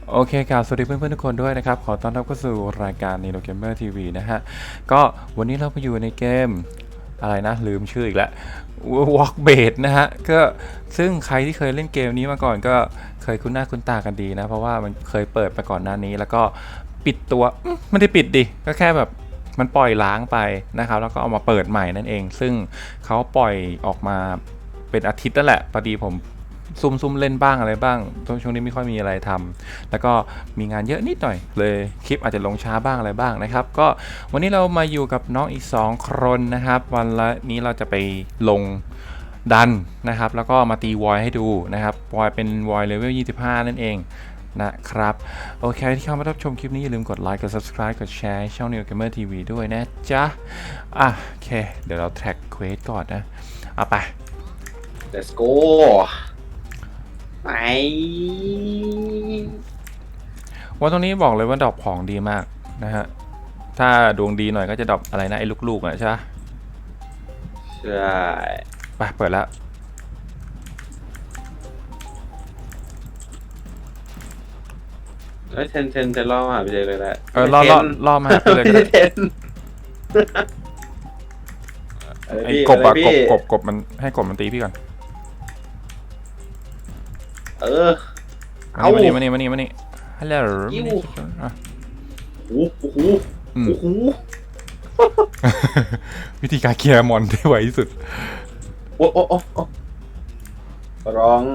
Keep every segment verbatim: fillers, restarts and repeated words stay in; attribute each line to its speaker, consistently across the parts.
Speaker 1: โอเคครับสวัสดีเพื่อนๆทุกคนด้วยนะครับขอต้อนรับเข้าสู่รายการ Nino Gamer ที วี นะฮะก็วันนี้เราไปอยู่ในเกมอะไรนะลืมชื่ออีกแล้ว Walkbait นะฮะก็ซึ่งใครที่เคยเล่นเกมนี้มาก่อนก็เคยคุ้นหน้าคุ้นตากันดีนะเพราะว่ามันเคยเปิดไปก่อนหน้านี้แล้วก็ปิดตัวไม่ได้ปิดดิก็แค่แบบมันปล่อยล้างไปนะครับแล้วก็เอามาเปิดใหม่นั่นเองซึ่งเขาปล่อยออกมาเป็นอาทิตย์นั่นแหละพอดีผมซุ่มซุ่มเล่นบ้างอะไรบ้างช่วงนี้ไม่ค่อยมีอะไรทำแล้วก็มีงานเยอะนิดหน่อยเลยคลิปอาจจะลงช้าบ้างอะไรบ้างนะครับก็วันนี้เรามาอยู่กับน้องอีกสองคนนะครับวันละนี้เราจะไปลงดันนะครับแล้วก็มาตีวอยให้ดูนะครับวอยเป็นวอยเลเวลยี่สิบห้านั่นเองนะครับโอเคที่เข้ามารับชมคลิปนี้อย่าลืมกดไลค์กด ซับสไครบ์ กดแชร์ช่อง Neo Gamer ที วี ด้วยนะจ๊ะอ่ะโอเคเดี๋ยวเราแท็กเควสก่อนนะเอาไป
Speaker 2: let's go ไป
Speaker 1: ว่าตรงนี้บอกเลยว่าดรอปของดีมากนะฮะถ้าดวงดีหน่อยก็จะดรอปอะไรนะไอ้ลูกๆอ่ะใช่ปะ
Speaker 2: ใช่
Speaker 1: ไปเปิดแล้ว
Speaker 2: เอ้ยเทนเทนเทนล่อมาไปเลยเลยแหละ
Speaker 1: เออล่อล่อล่อมาหาไปเลยก็ได้
Speaker 2: เทน
Speaker 1: ไอ้กบอะกบกบกบมันให้กบมันตีพี่ก่อน
Speaker 2: เออ เอา
Speaker 1: มานี่มานี่มานี่มานี่ฮัลโหล
Speaker 2: กิ้ว
Speaker 1: อ่ะ
Speaker 2: โอ้โห
Speaker 1: อืม
Speaker 2: โอ้โห
Speaker 1: วิธีการเคลียร์มอนได้ไวที่สุด
Speaker 2: โอ้โอ้โอ้โอ้ร้อง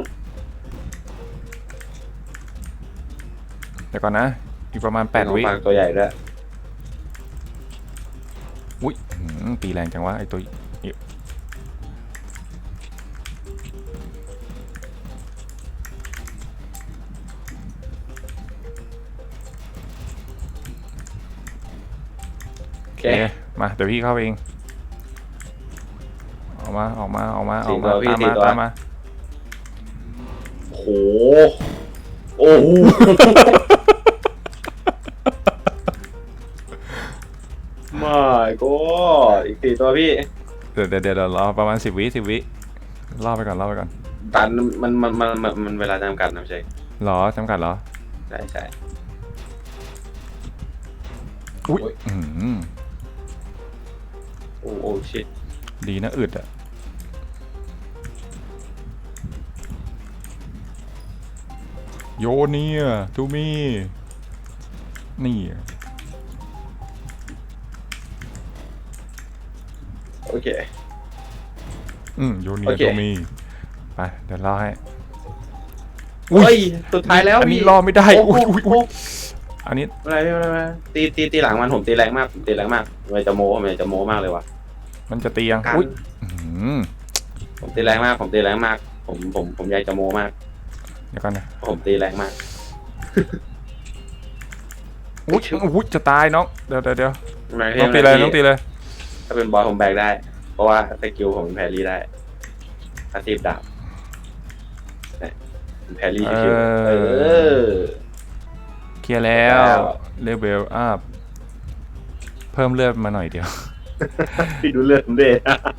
Speaker 1: เดี๋ยวก่อนนะอีกประมาณแปดวิ
Speaker 2: ปากตัวใหญ่ด้วย
Speaker 1: อุ้ยหืมตีแรงจังวะไอ้ตัวอิ๊ว
Speaker 2: โอ
Speaker 1: โอ
Speaker 2: เค
Speaker 1: เคมาเดี๋ยวพี่เข้าไปเองออกมาออกมาออกมาอ
Speaker 2: สี่
Speaker 1: อก
Speaker 2: ตั
Speaker 1: มาว
Speaker 2: พี่
Speaker 1: ตาม
Speaker 2: สี่
Speaker 1: มา
Speaker 2: ตัว
Speaker 1: ตามมา
Speaker 2: โอ้โหโอ้โหไม่ก็อีกสี่ตัวพี่
Speaker 1: เดี๋ยวเดี๋ยวเดี๋ยวรอประมาณสิบวิสิบวิล่อไปก่อนล่อไปก่อน
Speaker 2: ตันมันมันมันมันมันเวลาจำกัดนะไม่ใช่
Speaker 1: หรอจำกัดเหรอ
Speaker 2: ใช่ใช่
Speaker 1: อุ้ย
Speaker 2: โอ้ย
Speaker 1: อื้อหือ
Speaker 2: โอ้โอ้ชิต
Speaker 1: ดีนะอึดอะโยเนียทูมีนี่
Speaker 2: โอเค
Speaker 1: อืมโยเนีย
Speaker 2: โอเค
Speaker 1: ทูมีไปเดี๋ยวล่อให้
Speaker 2: เฮ้ยสุดท้ายแล้ว
Speaker 1: อันนี้
Speaker 2: พี่
Speaker 1: ล่อไม่ได้
Speaker 2: โอ้
Speaker 1: อุ้ย
Speaker 2: โห
Speaker 1: อุ้ยอุ้ยอันนี้
Speaker 2: อะไรไม่เป็นไรไม่เป็นไรตีตีตีหลังมันผมตีแรงมากผมตีแรงมากมันจะโม้มันจะโม้มากเลยว่ะ
Speaker 1: มันจะตียัง
Speaker 2: กัน
Speaker 1: อุ้ยอื้อหือ
Speaker 2: ผมตีแรงมากผมตีแรงมากผมผมผมอยากจะโม้มาก
Speaker 1: เดี๋ยวก่อนนะ
Speaker 2: ผมตีแรงมาก
Speaker 1: อุ้ยอุ้ยจะตายน้องเดี๋ยวเดี๋ยวเดี๋ยว
Speaker 2: ไม่
Speaker 1: น้องตีเลยน้องตีเลย
Speaker 2: ถ้าเป็นบอลผมแบกได้ เพราะว่าสกิลผมเป็นแพรรี่ได้อาชีพดาบเนี่ยเป็นแพรรี่ชิวๆเออ
Speaker 1: เคลียร์แล้ว
Speaker 2: แล้ว
Speaker 1: เลเวลอัพเพิ่มเลือดมาหน่อยเดียว
Speaker 2: พี่ดูเลือดผมดิ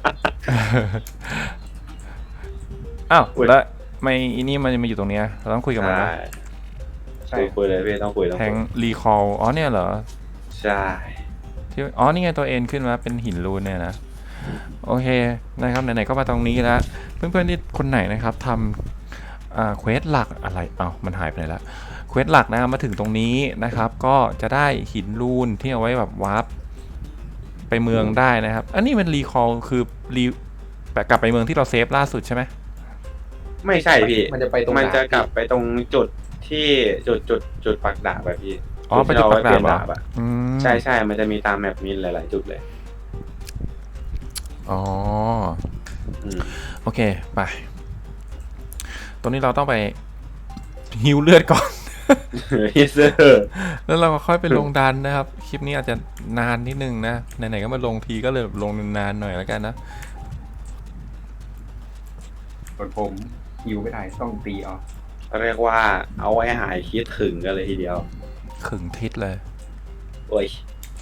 Speaker 1: อ้าว
Speaker 2: อุ๊ย
Speaker 1: แล้วไม่อีนี่มันมาอยู่ตรงเนี้ยเราต้องคุยกับมัน
Speaker 2: ใช่
Speaker 1: นะ
Speaker 2: ใช่คุยเลยพี่ต้องคุยต้อง
Speaker 1: แท
Speaker 2: คุ
Speaker 1: ง
Speaker 2: ย
Speaker 1: รีคอลอ๋อเนี่ยเหรอ
Speaker 2: ใช่
Speaker 1: ที่อ๋อนี่ไงตัวเอ็นขึ้นมาเป็นหินรูนเนี่ยนะโอเคนะครับไหนๆก็มาตรงนี้แล้วเพื่อนๆที่คนไหนนะครับทำอ่าเควสหลักอะไรเอ้ามันหายไปไหนละเควสหลักนะมาถึงตรงนี้นะครับก็จะได้หินรูนที่เอาไว้แบบวาร์ปไปเมืองได้นะครับอันนี้มันรีคอลคือรีกลับไปเมืองที่เราเซฟล่าสุดใช่ไหม
Speaker 2: ไม่ใช่พี่
Speaker 3: มันจะไปตรง
Speaker 2: มันจะ
Speaker 3: ดาบ
Speaker 2: กลับไปตรงจุดที่จุดจุดจุดปักดาบแบบพี่
Speaker 1: อ๋อไปจุดปักดาบ
Speaker 2: ที่เรไว้เปลี่ยน
Speaker 1: เหรอ
Speaker 2: ดาบอะ
Speaker 1: อืม
Speaker 2: ใช่ใช่มันจะมีตามแมปมีหลาย ๆ จุดเลย
Speaker 1: อ๋อ
Speaker 2: อืม
Speaker 1: โอเคไปตรงนี้เราต้องไปฮิวเลือดก่อน
Speaker 2: ฮิเซอร์
Speaker 1: แล้วเราก็ค่อยไปลงดันนะครับ คลิปนี้อาจจะนานนิดนึงนะ ไหนๆก็มาลงทีก็เลยลงนานๆหน่อยแล้วกันนะ
Speaker 3: ส่วนผมหิวไม่ได้ต้องตีเอา
Speaker 2: เรียกว่าเอาไว้หายคิดถึงกันเลยทีเดียว
Speaker 1: ขึงทิศเลย
Speaker 2: โอ้ย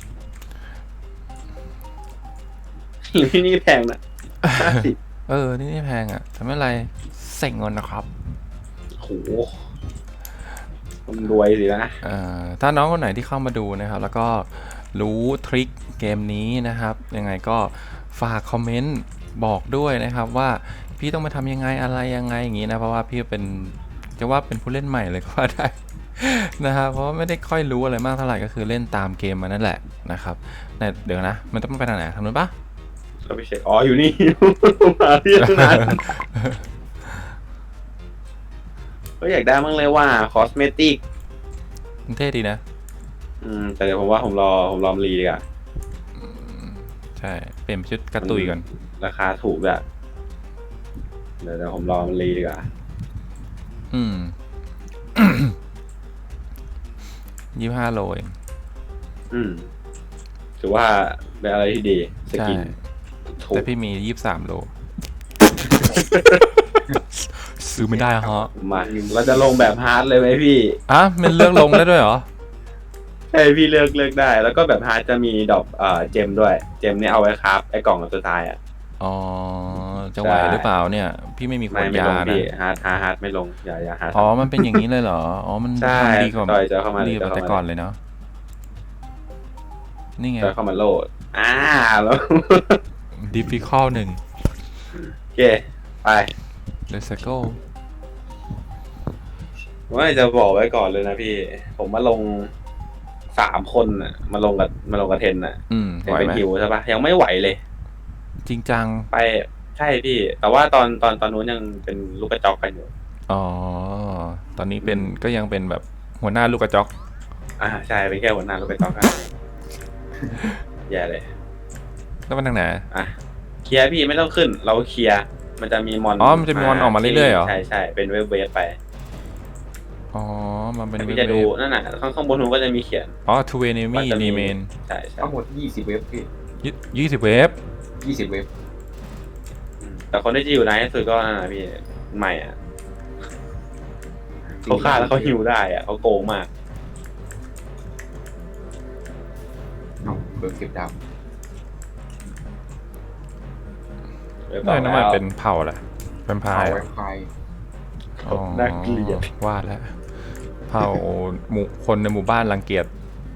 Speaker 2: ที่นี่แพงนะห้าสิบ
Speaker 1: เออ นี่ไม่แพงอ่ะแต่ไม่เป็นไรเส็งเงินนะครับ
Speaker 2: โหคนรวยสินะ
Speaker 1: เอ่อถ้าน้องคนไหนที่เข้ามาดูนะครับ แล้วก็รู้ทริคเกมนี้นะครับ ยังไงก็ฝากคอมเมนต์บอกด้วยนะครับว่าพี่ต้องมาทำยังไงอะไรยังไงอย่างนี้นะเพราะว่าพี่เป็นจะว่าเป็นผู้เล่นใหม่เลยก็ว่าได้ นะครับเพราะว่าไม่ได้ค่อยรู้อะไรมากเท่าไหร่ก็คือเล่นตามเกมมานั่นแหละนะครับเนี่ยเดี๋ยวนะมันต้องไปทางไหนทางนู้นปะ
Speaker 2: เราไปเช็คอ๋ออยู่นี่ มาที่ตั้งนานก็อยากได้มั้งเลยว่าคอสเมติก
Speaker 1: มันเท่ดีนะ
Speaker 2: อืมแต่เดี๋ยวผมว่าผมรอผมรอมรีดีกว่า
Speaker 1: ใช่เปลี่ยนชุดกระตุยก่อน
Speaker 2: ราคาถูกแบบเดี๋ยวเดี๋ยวผมรอมรีดีกว่า
Speaker 1: อืม ยี่ห้าโลเอง
Speaker 2: อืมถือว่าเป็นอะไรที่ดีส
Speaker 1: ใช่
Speaker 2: กินถูก
Speaker 1: แต่พี่มียี่สิบสามโล ซื้อไม่ได้ฮะ
Speaker 2: มาเราจะลงแบบฮาร์ดเลยไหมพี่
Speaker 1: อ่ะมันเลือกลงได้ด้วยเหรอ
Speaker 2: ใช่พี่เลือกเลือกได้ แล้วก็แบบฮาร์ดจะมีดอกเอ่อเจมด้วย เจมเนี่ยเอาไว้ครับไอ้กล่องสุดท้ายอ่ะ
Speaker 1: อ๋อ จะไหว
Speaker 2: ใช่
Speaker 1: หรือเปล่าเนี่ย พี่ไม่มีขว
Speaker 2: ไม่
Speaker 1: ด
Speaker 2: ไม่
Speaker 1: ยา
Speaker 2: ลง
Speaker 1: นะ
Speaker 2: พี่ฮาร์ดฮาร์ดฮาร์ดไม่ลงอย่าอย่าฮาร์ด
Speaker 1: อ๋อ มันเป็นอย่างนี้เลยเหรอ อ๋อ มัน
Speaker 2: ใช่
Speaker 1: ทำดีกว่า
Speaker 2: จอยจะเข้ามา
Speaker 1: ดีกว่า
Speaker 2: จะเข้ามา
Speaker 1: แต่ก่อนเลยเนาะ นี่ไง
Speaker 2: จะเข้ามาโหลดอ่าแล้ว
Speaker 1: difficult หนึ่ง
Speaker 2: โอเค ไป
Speaker 1: let's go
Speaker 2: ว่าจะบอกไว้ก่อนเลยนะพี่ ผมมาลงสามคนน่ะ มาลงกับมาลงกับเทนน่ะ
Speaker 1: อืม
Speaker 2: เท
Speaker 1: ไห
Speaker 2: น
Speaker 1: ว
Speaker 2: เป็น
Speaker 1: ไหม
Speaker 2: ฮิวใช่ปะยังไม่ไหวเลย
Speaker 1: จริงจัง
Speaker 2: ไปใช่พี่ แต่ว่าตอนตอนตอนนู้นยังเป็นลูกกระจอกกันอยู่
Speaker 1: อ๋อ ตอนนี้เป็นก็ยังเป็นแบบหัวหน้าลูกกระจอก
Speaker 2: อ่าใช่เป็นแค่หัวหน้าลูกกระจอกกัน แย่เลย
Speaker 1: แล้วมันทางไหน
Speaker 2: อ่ะเคลียร์พี่ไม่ต้องขึ้น เราเคลียร์มันจะมีมอน
Speaker 1: อ๋อมันจะมีมอนออกมาเรื่อยๆเหรอ
Speaker 2: ใช่ใช่เป็นเวฟเวฟไป
Speaker 1: อ๋อ มันเป็น
Speaker 2: แต่
Speaker 1: เว
Speaker 2: พี่จะดู
Speaker 1: ฟ
Speaker 2: นั่นน่ะข้างข้างบนมันก็จะมีเขียน
Speaker 1: อ๋อ two enemy
Speaker 2: ว่าจะมี
Speaker 1: remain
Speaker 2: ใช่ใช่
Speaker 3: ทั้งหมดยี่สิบเว็บพี่
Speaker 1: ยี่สิบเวฟ
Speaker 3: ยี่สิบเว็บ
Speaker 2: อืมแต่คนที่จะอยู่ในที่สุดก็นั่นน่ะพี่ใหม่อ่ะเขาฆ่าแล้วเขาฮิวได้อ่ะเขาโกงมาก
Speaker 3: เอาเบิร์เก็บดาว
Speaker 2: เว็บ
Speaker 1: ไม่
Speaker 2: ต่อ
Speaker 1: น้ำ
Speaker 2: แล้
Speaker 1: มัน
Speaker 2: ว
Speaker 1: เป็นเผ่าแหละเป็นพา
Speaker 3: เอา
Speaker 1: ย
Speaker 3: ไว้ไฟ
Speaker 1: อ๋อ
Speaker 2: น่าเกลียด
Speaker 1: วาดแล้วเผ่าหมู่คนในหมู่บ้านรังเกียจ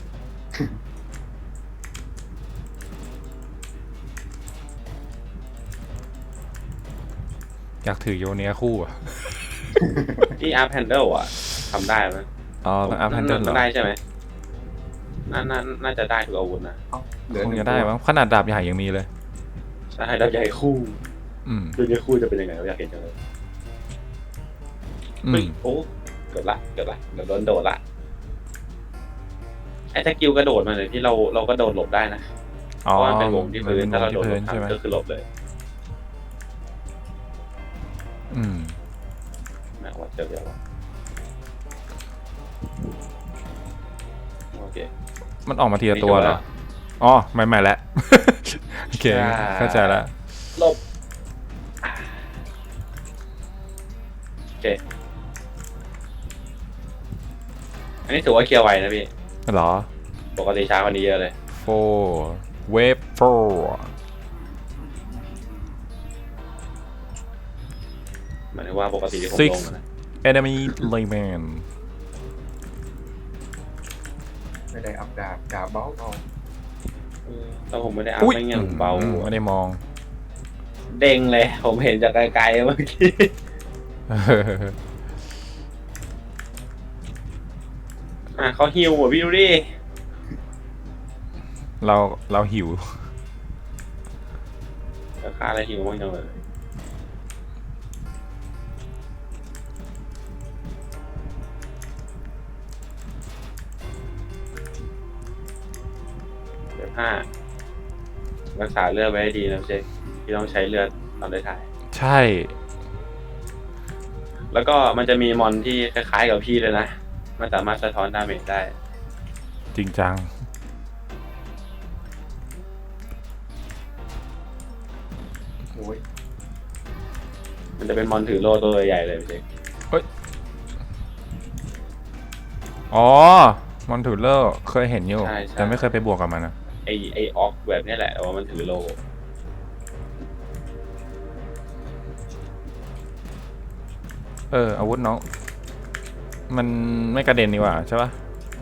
Speaker 1: อยากถือโยเนียคู่อ่ะ
Speaker 2: ที่อาร์แพนเดิลอ่ะทำได้ไหม
Speaker 1: อ๋อต้องอัพแฮนเดิลเหรอ
Speaker 2: ได้ใช่ไหมน่าน่าน่าจะได้ทุกอาวุธนะ
Speaker 3: เอาเหลือ
Speaker 1: คง
Speaker 3: หนึ่
Speaker 1: จะได้มั้งขนาดดาบใหญ่ยังมีเลย
Speaker 2: ใช่ดาวใหญ่คู่
Speaker 1: อืม
Speaker 2: ดาวใหญ่คู่จะเป็นยังไงเราอยากเห็นจังเลย
Speaker 1: อื
Speaker 2: เฮ้ย
Speaker 1: ม
Speaker 2: โอ้เกิดละเกิดละเดี๋ยวโดนโดดละไอ้สกิลกระโดดมาเลยที่เราเราก็โดดหลบได้นะเพ
Speaker 1: อ๋อ
Speaker 2: ราะว่ามันเป็นวงที่พื้น
Speaker 1: มั
Speaker 2: ถ้าเรา
Speaker 1: ป็
Speaker 2: โดด
Speaker 1: วง
Speaker 2: หล
Speaker 1: ที่
Speaker 2: บ
Speaker 1: พื้นใช่ไหม
Speaker 2: ทำก็คือหลบเลย
Speaker 1: อืม
Speaker 2: นะว่าเจอเดี๋ยวว่าโอเค
Speaker 1: มันออกมาทีละตัวเหรอ อ๋อใหม่ๆแล้ว โอเค
Speaker 2: ใช่
Speaker 1: เข้าใจแล้ว
Speaker 2: หลบอ่าโอเคอันนี้ถือว่าเคลียร์ไวนะพี่
Speaker 1: เหรอ
Speaker 2: ปกติช้ากว่านี้เยอะเลย
Speaker 1: four wave four
Speaker 2: หมายถึงว่าปกติที่ผม
Speaker 1: Six
Speaker 2: ลงนะ
Speaker 1: enemy remain
Speaker 3: ไม่ได้อัพดาบดาบเบาเอา
Speaker 2: เออแต่ผมไม่ได้อัพ
Speaker 1: อุ้ย
Speaker 2: ไม่เงี้ยผมเบา
Speaker 1: อืมไม่ได้มอง
Speaker 2: เด้งเลย ผมเห็นจากไกลๆเมื่อกี้ อ่ะเขาฮิวอ่ะพี่ดูดิ
Speaker 1: เราเราหิว
Speaker 2: ราคาอะไรฮิวบ้างจังเลยเดี๋ยวห้ารักษาเลือดไว้ให้ดีนะเจ๊ที่ต้องใช้เลือดตอนได้ถ่าย
Speaker 1: ใช่
Speaker 2: แล้วก็มันจะมีมอนที่คล้ายๆกับพี่เลยนะ มันสามารถสะท้อนดาเมจได้
Speaker 1: จริงจัง
Speaker 3: โอ้ย
Speaker 2: มันจะเป็นมอนถือโล่ตัวใหญ่เลยพี่เจ๊
Speaker 1: อ๋อ มอนทูเลอร์เคยเห็นอยู่
Speaker 2: ใช่ใช่
Speaker 1: แต่ไม่เคยไปบวกกับมันนะ
Speaker 2: ไอไอออกแบบนี้แหละแต่ว่ามันถือโล่
Speaker 1: เออ อาวุธน้องมันไม่กระเด็นดีกว่าใช่ปะ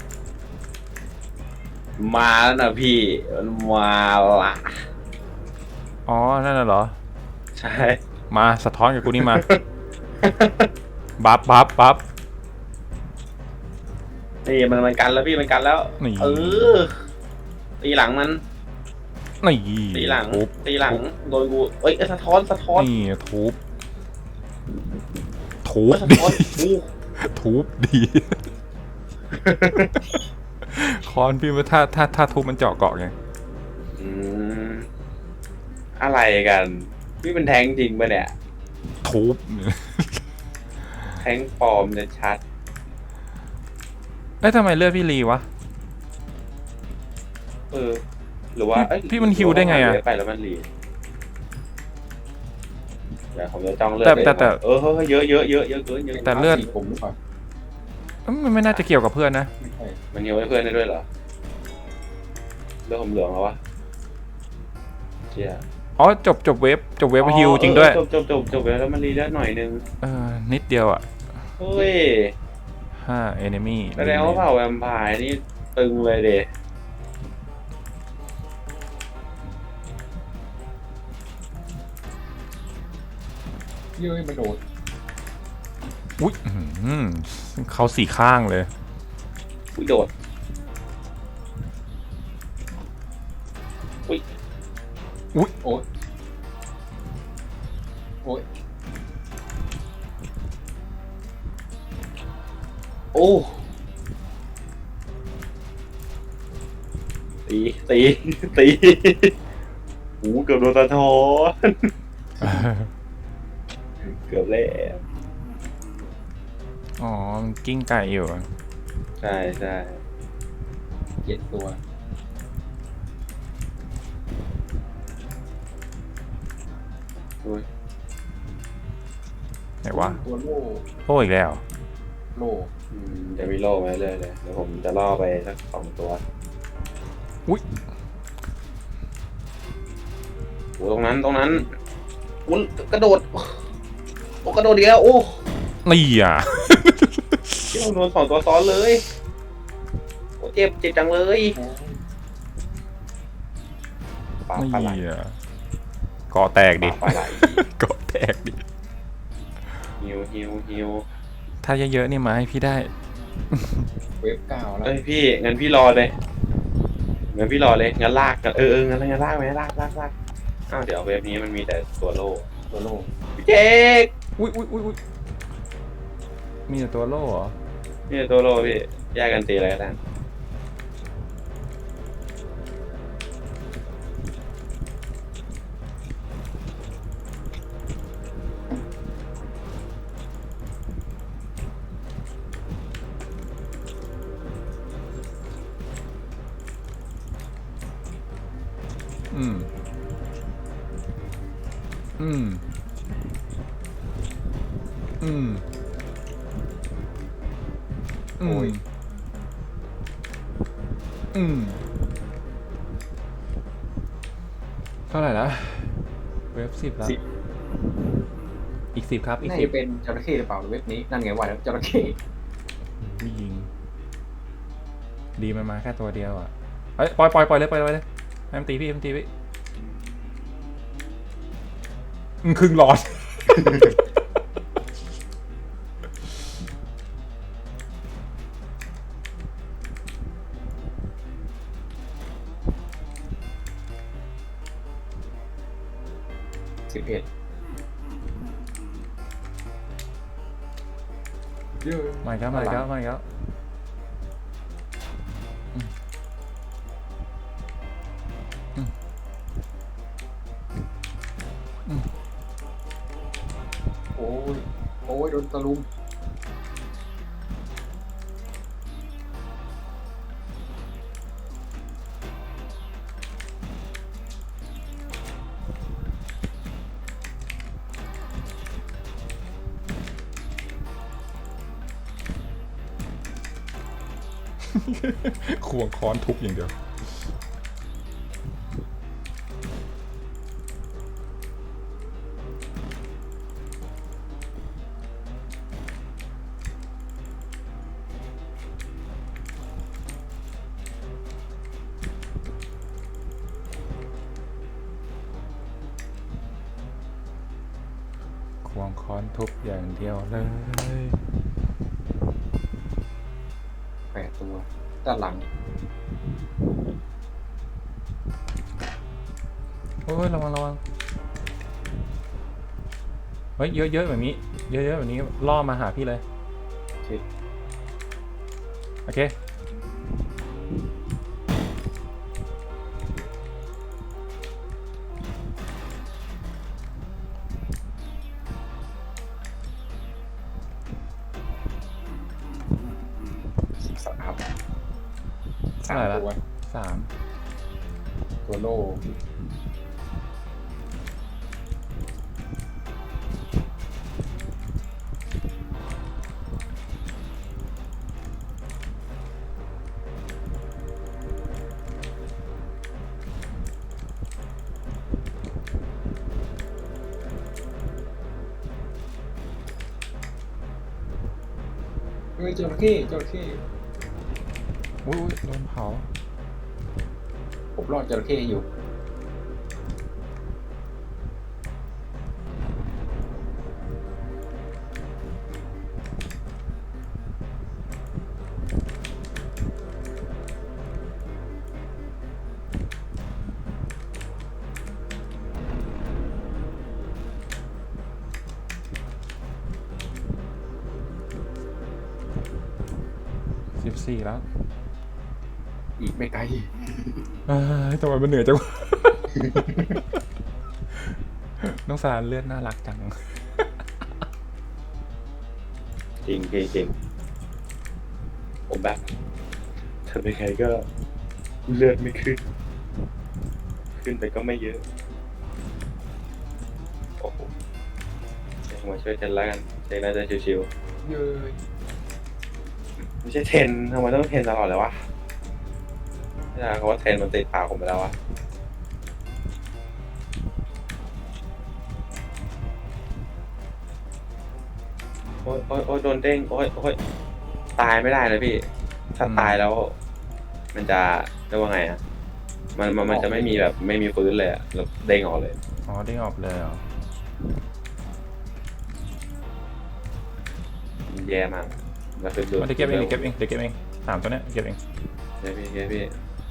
Speaker 2: มาแล้วนะพี่มันมาละ
Speaker 1: อ๋อนั่นน่ะเหรอ
Speaker 2: ใช่
Speaker 1: มาสะท้อนกับกูนี่มา บัฟบัฟบัฟ
Speaker 2: นี่มันมันกันแล้วพี่มันกันแล้ว
Speaker 1: นี่
Speaker 2: เออตีหลังมัน
Speaker 1: นี่
Speaker 2: ตีหลัง
Speaker 1: ทุบ
Speaker 2: ตีหลังโดนกูเอ้ยสะท้อนสะท้อน
Speaker 1: นี่ทุบทุบ
Speaker 2: สะ
Speaker 1: ดี
Speaker 2: ท้อนอู้
Speaker 1: ทุบดี คอนพี่ว่าถ้าถ้าถ้าทุบมันเจาะเกาะไง
Speaker 2: อืมอะไรกันพี่เป็นแทงจริงปะเนี่ย
Speaker 1: ทุบ
Speaker 2: แทงปลอมจะชัด
Speaker 1: เอ้ยทำไมเลือดพี่รีวะ
Speaker 2: เออ หรือว่า
Speaker 1: พี่
Speaker 2: เอ้ย
Speaker 1: พี่มันฮิวได้ไงอะ
Speaker 2: หรือว่าไปแล้วมันรีเดี๋ยวผมจะจ้องเลือด
Speaker 1: แต่
Speaker 2: เลย
Speaker 1: แต่แต่
Speaker 2: เออเฮ้ยเยอะเยอะเยอะเยอะเกินเยอะ
Speaker 1: แต่เลือด
Speaker 3: สีผมหรือเปล่า
Speaker 1: เอ้ยมันไม่น่าจะเกี่ยวกับเพื่อนนะ
Speaker 3: ไม่ใช่
Speaker 2: มันฮิวให้เพื่อนได้ด้วยเหรอเลือดผมเหลืองแล้ววะเชี่ย
Speaker 1: อ๋อจบจบเวฟจบเวฟฮิวจริงด้วย
Speaker 2: จบจบจบจบไปแล้วมันรีเลือดหน่อยนึง
Speaker 1: เออนิดเดียวอ่ะ
Speaker 2: เฮ้ย
Speaker 1: ห้าเอเนมี่
Speaker 2: แสดงว่าเผ่าแวมไพร์นี่ตึงเลยเด
Speaker 3: เย้ยมันโดด
Speaker 1: อุ้ยอื้อหือเขาสี่ข้างเลย
Speaker 2: อุ้ยโดดอุ้ย
Speaker 3: โอ๊ยโอ๊ย
Speaker 2: โอ้ตีตีตีหูเกือบโดนตะทอนเกือบแล้ว
Speaker 1: อ๋อมันกิ้งไก่อยู่อะ
Speaker 2: ใช่ใช่
Speaker 3: เจ็ดตัว
Speaker 2: อุ้ย
Speaker 1: ไหนวะ
Speaker 3: ตัวโล่
Speaker 1: โอ้อีกแล้ว
Speaker 3: โล่
Speaker 2: อืมจะมีโล่มาเรื่อยเลยเดี๋ยวผมจะล่อไปสักสองตัว
Speaker 1: อุ้ย
Speaker 2: โอ้ตรงนั้นตรงนั้นอุ้ยกระโดดโอ้กระโดดเดียวโอ้
Speaker 1: นี่อ่ะ
Speaker 2: ที่ผมโดนสองตัวซ้อนเลยโอ้เจ็บเจ็บจังเลยปลาปลาไหล
Speaker 1: นี่อ่ะเกาะแตก
Speaker 2: ป
Speaker 1: ดิ
Speaker 2: ลาปลาไหล
Speaker 1: เกาะแตกดิ
Speaker 2: ฮิวฮิวฮิว
Speaker 1: ถ้าเยอะๆนี่มาให้พี่ได้
Speaker 3: เวฟเก้าแล้ว
Speaker 2: เอ้ยพี่งั้นพี่รอเลยงั้นพี่รอเลยงั้นลากกันเออเอองั้นงั้นลากไหมลากลากลากอ้าวเดี๋ยวเว็บนี้มันมีแต่ตัวโล่
Speaker 3: ตัวโล่
Speaker 2: พี่เจ๊ก
Speaker 1: อุ้ยอุ้ยอุ้ยอุ้ยมีแต่ตัวโล่เหรอ
Speaker 2: นี่ตัวโล่พี่แยกกันตีอะไรกัน
Speaker 1: อืม อืม อืม อืม อืม เท่าไหร่ละเว็บสิบแล้ว อีกสิบครับ อีก
Speaker 3: น่า
Speaker 1: สิบ
Speaker 3: จะเป็นจระเข้หรือเปล่าเว็บนี้นั่นไงว่าแล้วจระเข้
Speaker 1: ไม่ยิง ดีมันมาแค่ตัวเดียวอ่ะเอ้ยปล่อยปล่อยปล่อยเลยปล่อยเลยเลยให้มันตีพี่ให้มันตีพี่อืมครึ่งหลอด
Speaker 3: สิบเอ็ดเย้ย
Speaker 1: มาอีกแล้วมาอีกแล้วมาอีกแล้วอืมอืมอืม
Speaker 3: โอ้ยโอ้ยโดนตะลุม
Speaker 1: ควงค้อนทุบอย่างเดียวค้อนทุบอย่างเดียวเลย
Speaker 3: แปดตัวด้านหลัง
Speaker 1: โอ้ยระวังระวังเฮ้ยเยอะๆแบบนี้เยอะๆแบบนี้ล่อมาหาพี่เลย
Speaker 3: โอเค
Speaker 1: โอเค
Speaker 3: สิบสาม
Speaker 1: เท่า
Speaker 3: สาม
Speaker 1: ไหร่ละ
Speaker 3: ตัว
Speaker 1: สาม
Speaker 3: ตัวโล่ เฮ้ยจระเข้จระเข้
Speaker 1: อุ้ยอุ้ยโดนเผา
Speaker 3: ผมรอดจระเข้อยู่
Speaker 1: สิบสี่แล้ว
Speaker 3: อีกไม่ไกล
Speaker 1: เอ้ยทำไมมันเหนื่อยจังวะ น้องสารเลือดน่ารักจัง
Speaker 2: จริงจริงจริงผมแบบทำยังไงก็เลือดไม่ขึ้น ขึ้นไปก็ไม่เยอะ โอ้โหเดี๋ยวมาช่วยกันแล้วกันเจ๊น่าจะชิว
Speaker 3: เย้ย
Speaker 2: ๆไม่ใช่เทรนทำไมต้องเทรนตลอดเลยวะไม่ใช่เขาว่าเทรนมันติดปากผมไปแล้ววะโอ๊ยโอ๊ยโอ๊ยโดนเด้งโอ๊ยโอ๊ยตายไม่ได้เลยพี่ ถ้าตายแล้ว มันจะเรียกว่าไงอะมันมันมันจะไม่มีแบบไม่มีฟื้นเลยอะแบบเด้งออกเลย
Speaker 1: อ๋อได้ออกเลยเหรอ
Speaker 2: มันแย่มากแล้วคือดู
Speaker 1: มันเดี๋ยวเก็บเองเดี๋ยวเก็บเองเดี๋ยวเก็บเองสามตัวเนี้ยเก็บเอง
Speaker 2: เดี๋ยวพี่เดี๋ยวพี่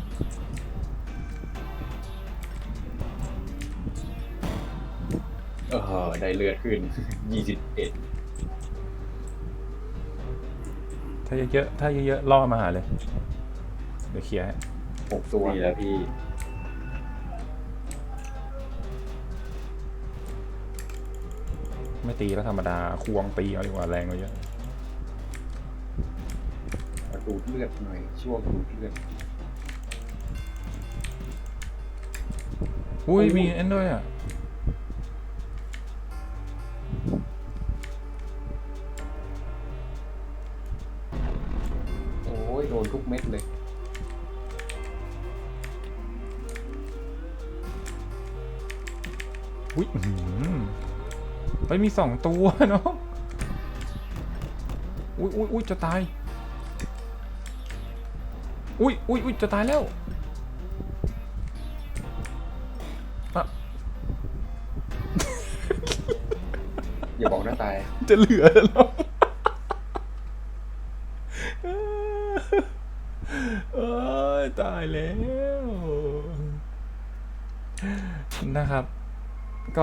Speaker 3: เออได้เลือดขึ้น ยี่สิบเอ็ด
Speaker 1: ถ้าเยอะๆถ้าเยอะๆล่อมาหาเลย เดี๋ยวเคลียร์ให้
Speaker 3: หกตัว
Speaker 2: นี่แล้วพี่
Speaker 1: ไม่ตีแล้วธรรมดาควงตีเอาดีกว่าแรงกว่าเยอะ
Speaker 3: ดูดเลือดหน่อยช่วงดูดเลือด
Speaker 1: อุ้ยมีเอ็นด้วยอ่ะ
Speaker 3: โอ้ยโดนทุกเม็ดเลย
Speaker 1: อุ้ยอื้อหือเฮ้ยมีสองตัวเนาะอุ้ยอุ้ยอุ้ยจะตาย อุ้ยอุ้ยอุ้ยจะตายแล้วอะ
Speaker 3: อย่าบอกนะตาย
Speaker 1: จะเหลือแล้วเอ้ยตายแล้ว นะครับ ก็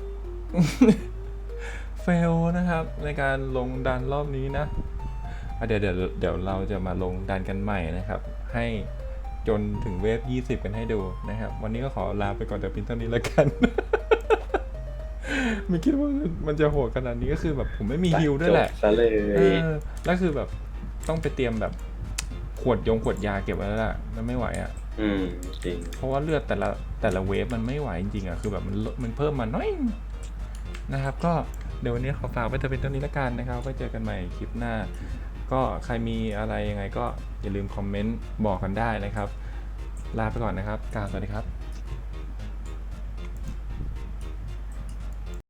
Speaker 1: เฟลนะครับในการลงดันรอบนี้นะอ่ะเดี๋ยวเดี๋ยวเดี๋ยวเราจะมาลงดันกันใหม่นะครับ ให้จนถึงเวฟยี่สิบกันให้ดูนะครับ วันนี้ก็ขอลาไปก่อนแต่เพียงเท่านี้แล้วกัน ไม่คิดว่ามันจะโหดขนาดนี้ก็คือแบบผมไม่มีฮิลด้วยแหละ
Speaker 2: จบซะเลย
Speaker 1: เออแล้วคือแบบต้องไปเตรียมแบบขวดยงขวดยาเก็บไว้แล้วล่ะแล้วไม่ไหวอ่ะ
Speaker 2: อืมจริง
Speaker 1: เพราะว่าเลือดแต่ละแต่ละเวฟมันไม่ไหวจริงๆอ่ะคือแบบมันลดมันเพิ่มมาน้อยนะครับ ก็เดี๋ยววันนี้ขอฝากไว้แต่เป็นเท่านี้ละกันนะครับไว้เจอกันใหม่คลิปหน้า ก็ใครมีอะไรยังไงก็อย่าลืมคอมเมนต์บอกกันได้นะครับ ลาไปก่อนนะครับกล่าวสวัสดีครับ